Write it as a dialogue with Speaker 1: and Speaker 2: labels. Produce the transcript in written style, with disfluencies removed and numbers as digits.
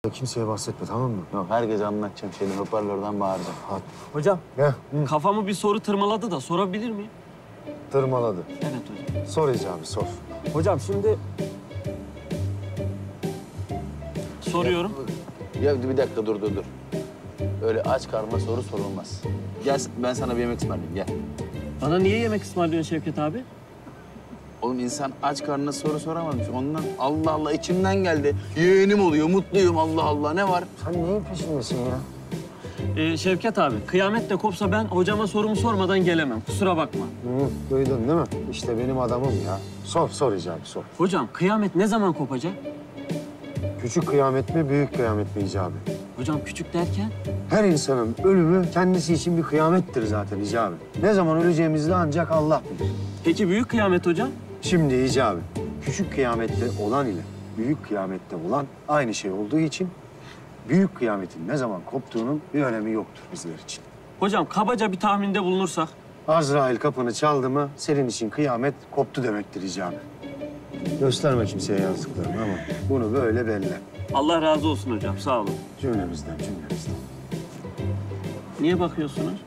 Speaker 1: Kimseye bahsetme, tamam mı?
Speaker 2: Yok, herkese anlatacağım şeyini, hoparlörden bağıracağım.
Speaker 1: Hadi.
Speaker 3: Hocam,
Speaker 1: Ne?
Speaker 3: kafamı bir soru tırmaladı da sorabilir miyim?
Speaker 1: Tırmaladı.
Speaker 3: Evet hocam.
Speaker 1: Sor icabı, sor.
Speaker 3: Hocam şimdi... Soruyorum.
Speaker 2: Ya bir dakika, dur. Öyle aç karnına soru sorulmaz. Gel, ben sana bir yemek ısmarlayayım, gel.
Speaker 3: Bana niye yemek ısmarlıyorsun Şevket abi?
Speaker 2: Oğlum insan aç karnına soru soramazmış. Ondan Allah Allah içimden geldi. Yeğenim oluyor, mutluyum Allah Allah. Ne var?
Speaker 1: Sen neyin peşindesin ya?
Speaker 3: Şevket abi, kıyamet de kopsa ben hocama sorumu sormadan gelemem. Kusura bakma.
Speaker 1: Duydun değil mi? İşte benim adamım ya. Sor icabı, sor.
Speaker 3: Hocam, kıyamet ne zaman kopacak?
Speaker 1: Küçük kıyamet mi, büyük kıyamet mi icabı?
Speaker 3: Hocam küçük derken?
Speaker 1: Her insanın ölümü kendisi için bir kıyamettir zaten icabı. Ne zaman öleceğimizi de ancak Allah bilir.
Speaker 3: Peki büyük kıyamet hocam?
Speaker 1: Şimdi icabı, küçük kıyamette olan ile büyük kıyamette olan aynı şey olduğu için büyük kıyametin ne zaman koptuğunun bir önemi yoktur bizler için.
Speaker 3: Hocam kabaca bir tahminde bulunursak?
Speaker 1: Azrail kapını çaldı mı senin için kıyamet koptu demektir icabı. Gösterme kimseye yazdıklarını ama bunu böyle belli.
Speaker 3: Allah razı olsun hocam, sağ olun.
Speaker 1: Cümlemizden.
Speaker 3: Niye bakıyorsunuz?